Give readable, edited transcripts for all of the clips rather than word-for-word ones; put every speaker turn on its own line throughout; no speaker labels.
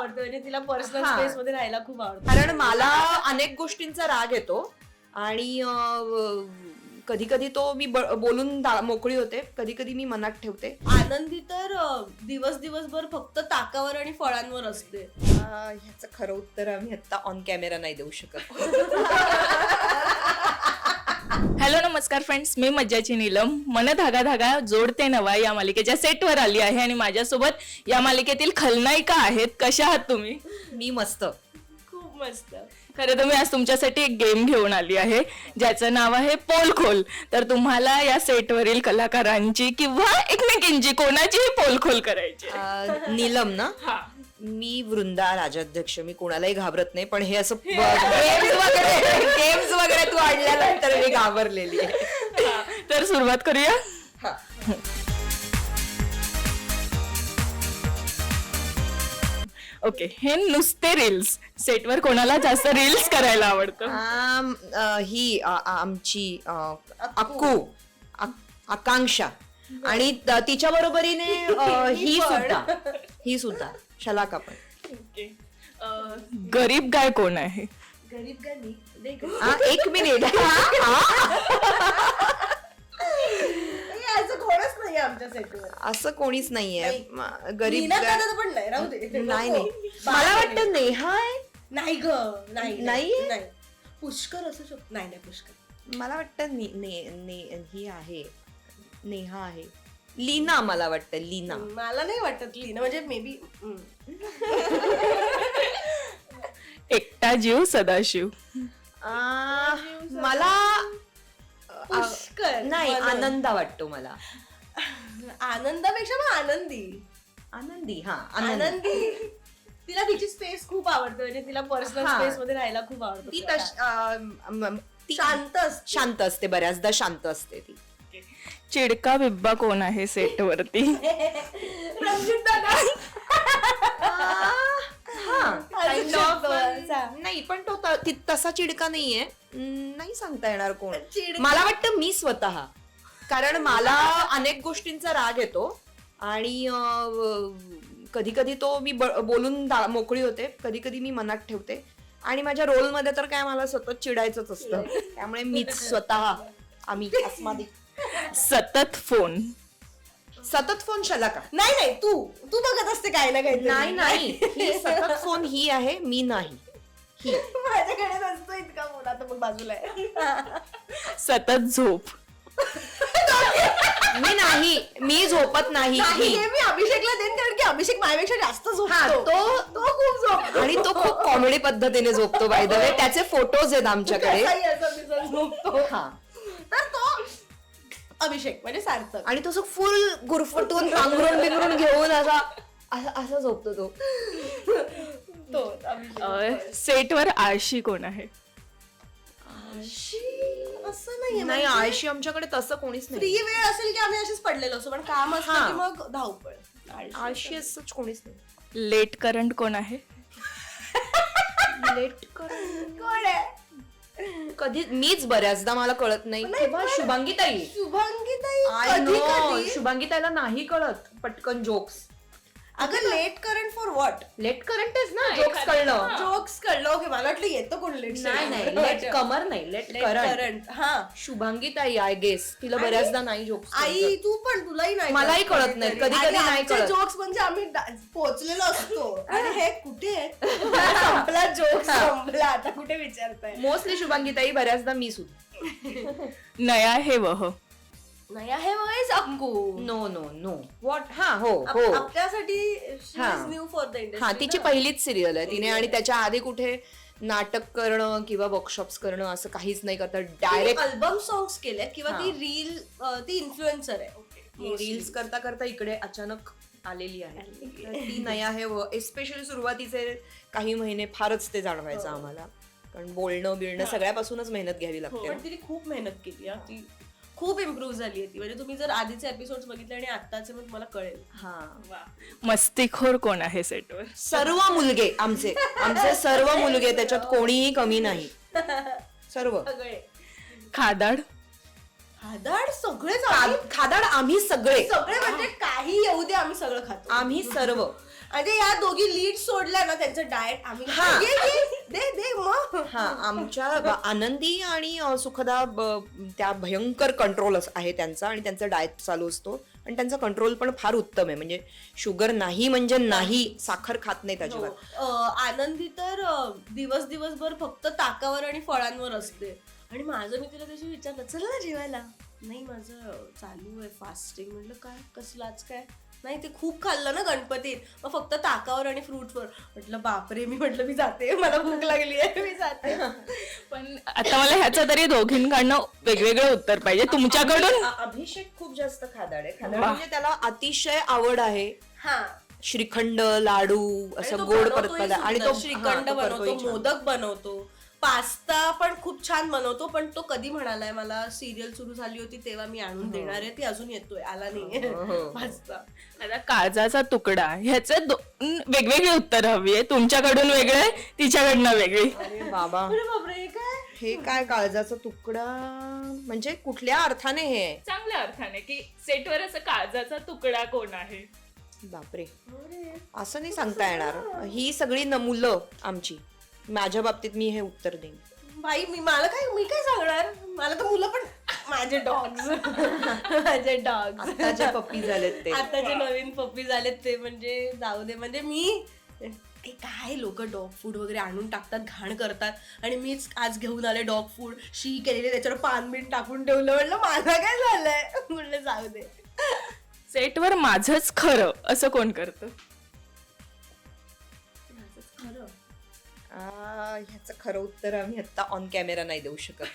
आवडतं, म्हणजे तिला पर्सनल स्पेस मध्ये राहायला खूप आवडतं.
कारण मला अनेक गोष्टींचा राग येतो आणि कधी कधी तो मी बोलून मोकळी होते, कधी कधी मी मनात ठेवते.
आनंदी तर दिवसभर फक्त ताकावर आणि फळांवर असते.
ह्याचं खरं उत्तर आम्ही आता ऑन कॅमेरा नाही देऊ शकत.
हॅलो नमस्कार फ्रेंड्स, मी मज्जाची नीलम. मन धागा धागा जोडते नवा या मालिकेच्या सेटवर आली आहे आणि माझ्यासोबत या मालिकेतील खलनायिका आहेत. कशा आहात तुम्ही?
मी मस्त.
खूप मस्त.
खरं तर मी आज तुमच्यासाठी एक गेम घेऊन आली आहे ज्याचं नाव आहे पोलखोल. तर तुम्हाला या सेटवरील कलाकारांची किंवा एकमेकींची कोणाचीही पोलखोल करायची.
नीलम ना,
हा.
मी वृंदा राजाध्यक्ष, मी कोणालाही घाबरत नाही, पण हे असं गेम्स वगैरे तू आणल्यानंतर मी घाबरलेली आहे.
तर सुरुवात करूया. ओके, हे नुसते रील्स. सेटवर कोणाला जास्त रील्स करायला आवडतं?
ही आमची अक्कू, आकांक्षा, आणि तिच्या बरोबरीने ही सुद्धा शलाका पण.
गरीब गाय कोण आहे?
गरीब गाणी
एक मिनिट.
असं कोणच नाही आमच्या सेटवर.
असं कोणीच नाहीये. गरीब
नीना पण नाही, राहू दे.
नाही मला वाटतं नेहा आहे.
नाही ग, नाही. पुष्कर असू शकतो. नाही पुष्कर.
मला वाटतं ही आहे, नेहा आहे. लीना, मला वाटतं लीना.
मला नाही वाटत लीना, म्हणजे मे बी.
एकटा जीव सदाशिव.
मला
पुष्कर
नाही, आनंदा वाटतो मला.
आनंदापेक्षा मग
आनंदी. हा,
आनंदी. तिला तिची स्पेस खूप आवडते, म्हणजे तिला पर्सनल स्पेस मध्ये राहायला खूप आवडतं.
ती शांत असते, बऱ्याचदा शांत असते ती.
चिडका बिब्बा कोण आहे सेटवरती?
रंजित दादा.
नाही, पण तो तसा चिडका नाहीये. नाही सांगता येणार कोण.
चिडका.
मला वाटतं मी स्वतः, कारण मला अनेक गोष्टींचा राग येतो आणि कधी कधी तो मी बोलून मोकळी होते, कधी कधी मी मनात ठेवते. आणि माझ्या रोलमध्ये तर काय मला सतत चिडायचंच असतं, त्यामुळे मीच स्वतः, आम्ही अस्मादी.
सतत फोन
शलाका.
नाही, तू बघत असते काय ना काही.
नाही, ही सतत फोन ही आहे, मी नाही. ही
माझ्याकडे नसतो इतका फोन. आता मग बाजूला आहे.
सतत झोप.
मी झोपत नाही.
हे मी अभिषेकला देईन, कारण की अभिषेक माझ्यापेक्षा जास्त झोपतो. तो खूप झोपतो
आणि तो खूप कॉमेडी पद्धतीने झोपतो. बाय द वे, त्याचे फोटोज आहेत आमच्याकडे.
झोपतो.
हा,
तर तो अभिषेक म्हणजे सार्थक.
आणि तो फुल गुरफटून पांघरून बिंगरून घेऊन असा झोपतो तो.
सेटवर आळशी कोण आहे?
असं नाहीये,
नाही, आळशी आमच्याकडे तसं कोणीच नाही.
फ्री वेळ असेल की आम्ही असेच पडलेलो असतो, पण काम असलं की मग धावपळ.
आळशी असंच कोणीच नाही.
लेट करंट कोण आहे?
लेट कर
कोण आहे?
कधी मीच, बऱ्याचदा मला कळत नाही. किंवा शुभांगीताई.
कधी
शुभांगीताईला नाही कळत पटकन जोक्स.
अगं late current for what?
Late करंटच ना, जोक्स कळलं.
जोक्स कळलं. ओके, मला वाटलं येतो कोण लेट.
नाही, लेट कमर नाही, लेट करंट.
हा,
शुभांगीताई, आय गेस. तिला बऱ्याचदा नाही जोक्स.
आई तू पण, तुलाही नाही.
मलाही कळत नाही, कधी कधी नाही कळत.
जोक्स म्हणजे आम्ही पोहोचलेलो असतो आणि हे कुठे संपला जोक, संपला, आता कुठे विचारताय.
मोस्टली शुभांगीताई, बऱ्याचदा मी सुद्धा.
नया हे वह.
नाही आहे वयस अक्कू.
Know what. हा, हो.
आपल्यासाठी न्यू फॉर द इंडस्ट्री.
हा, तिची पहिलीच सिरियल आहे तिने, आणि त्याच्या आधी कुठे नाटक करणं किंवा वर्कशॉप्स करणं असं काहीच नाही करत. डायरेक्ट
अल्बम सॉंग्स केले किंवा ती इन्फ्लुएन्सर आहे.
रील्स करता करता इकडे अचानक आलेली आहे. ती नया आहे. एस्पेशली सुरुवातीचे काही महिने फारच ते जाणवायचं आम्हाला, कारण बोलणं सगळ्यापासूनच मेहनत घ्यावी लागते.
पण तिने खूप मेहनत केली. ती खूप इम्प्रूव्ह झाली ती. म्हणजे तुम्ही जर आधीचे एपिसोड बघितले आणि आत्ताचे, मग तुम्हाला कळेल.
हा.
मस्तीखोर कोण आहे सेटवर?
सर्व मुलगे आमचे सर्व मुलगे, त्याच्यात कोणीही कमी नाही. सर्व.
खादाड.
सगळेच.
खादाड आम्ही सगळे
म्हणजे काही येऊ दे, आम्ही सगळं खातो.
आम्ही सर्व.
आणि या दोघी लीड सोडल्या ना त्यांचं डाएट आम्ही
हा.
दे मग
हा आमच्या आनंदी आणि सुखदा त्या भयंकर कंट्रोल आहे त्यांचा आणि त्यांचा डाएट चालू असतो आणि त्यांचा कंट्रोल पण फार उत्तम आहे. म्हणजे शुगर नाही म्हणजे नाही, साखर खात नाहीत अजिबात.
आनंदी तर दिवसभर फक्त ताकावर आणि फळांवर असते. आणि माझं मी तिला तशी विचारलं चल ना जेवायला, नाही माझं चालू आहे फास्टिंग. म्हटलं काय कसलं आज काय, नाही ते खूप खाल्लं ना गणपतीत, मग फक्त ताकावर आणि फ्रूटवर. म्हटलं बापरे, मी जाते, मला भूक लागली आहे, मी जाते.
पण आता मला ह्याचं तरी दोघींकडनं वेगवेगळं उत्तर पाहिजे तुमच्याकडून.
अभिषेक खूप जास्त खादाड आहे. म्हणजे त्याला अतिशय आवड आहे
हा
श्रीखंड, लाडू, असं गोड पदार्थ. आणि तो
श्रीखंड बनवतो, मोदक बनवतो, पास्ता पण खूप छान बनवतो. पण तो कधी म्हणालाय मला सिरियल सुरू झाली होती तेव्हा मी आणून देणार आहे, ती अजून येतोय, आला नाहीये पास्ता.
आता काळजाचा तुकडा ह्याचे वेगवेगळी उत्तर हवी आहे. तुमच्याकडून वेगळे, तिच्याकडनं वेगळी.
अरे बाबा,
बापरे काय
हे काय काळजाचा तुकडा म्हणजे कुठल्या अर्थाने हे?
चांगल्या अर्थाने की सेटवर असं काळजाचा तुकडा कोण आहे.
बापरे, असं नाही सांगता येणार. ही सगळी मुलं आमची. माझ्या बाबतीत मी हे उत्तर देईन.
बाई मी काय सांगणार, मला तर मुलं पण माझे डॉग्स माझे डॉग्स
आताचे पप्पी झालेत ते.
आताचे नवीन पप्पी झालेत ते, म्हणजे जाऊ दे. म्हणजे मी काय लोक डॉग फूड वगैरे आणून टाकतात, घाण करतात, आणि मीच आज घेऊन आले डॉग फूड शी केलेले, त्याच्यावर पान बिन टाकून ठेवलं. म्हणलं माझं काय झालंय, म्हणलं जाऊ दे.
सेटवर माझंच खरं असं कोण करतं.
ह्याचं खरं उत्तर आम्ही आता ऑन कॅमेरा नाही देऊ शकत.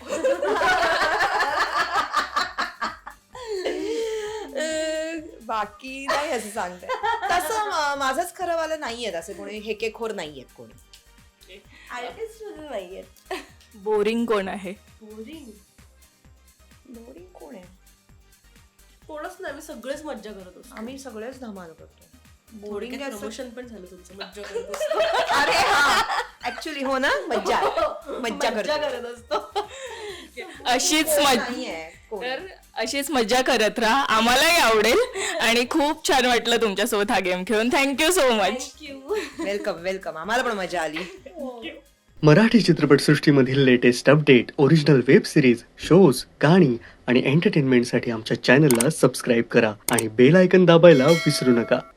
बाकी नाही असं सांगते. तसं माझंच खरं वाला नाहीयेत असे कोणी, हेकेखोर नाहीयेत कोणी.
आर्टिस्ट नाहीयेत.
बोरिंग कोण आहे.
बोरिंग
बोरिंग कोण आहे?
कोणच नाही, आम्ही सगळेच मज्जा करत असतो.
आम्ही सगळेच धमाल करतो.
बोरिंग प्रमोशन पण झालं तुमचं, मज्जा करत असतो.
अरे हा, ऍक्च्युली हो ना, मज्जा
मज्जा करत असतो.
अशीच
नाहीये कोण.
तर अशीच मज्जा करत राहा, आम्हालाही आवडेल. आणि खूप छान वाटलं तुमच्यासोबत हा गेम खेळून. Thank you so much.
वेलकम. आम्हाला पण मजा आली.
मराठी चित्रपटसृष्टीमधील latest update, original web series, shows, गाणी आणि एंटरटेनमेंटसाठी आमच्या चॅनलला सबस्क्राईब करा आणि बेल आयकॉन दाबायला विसरू नका.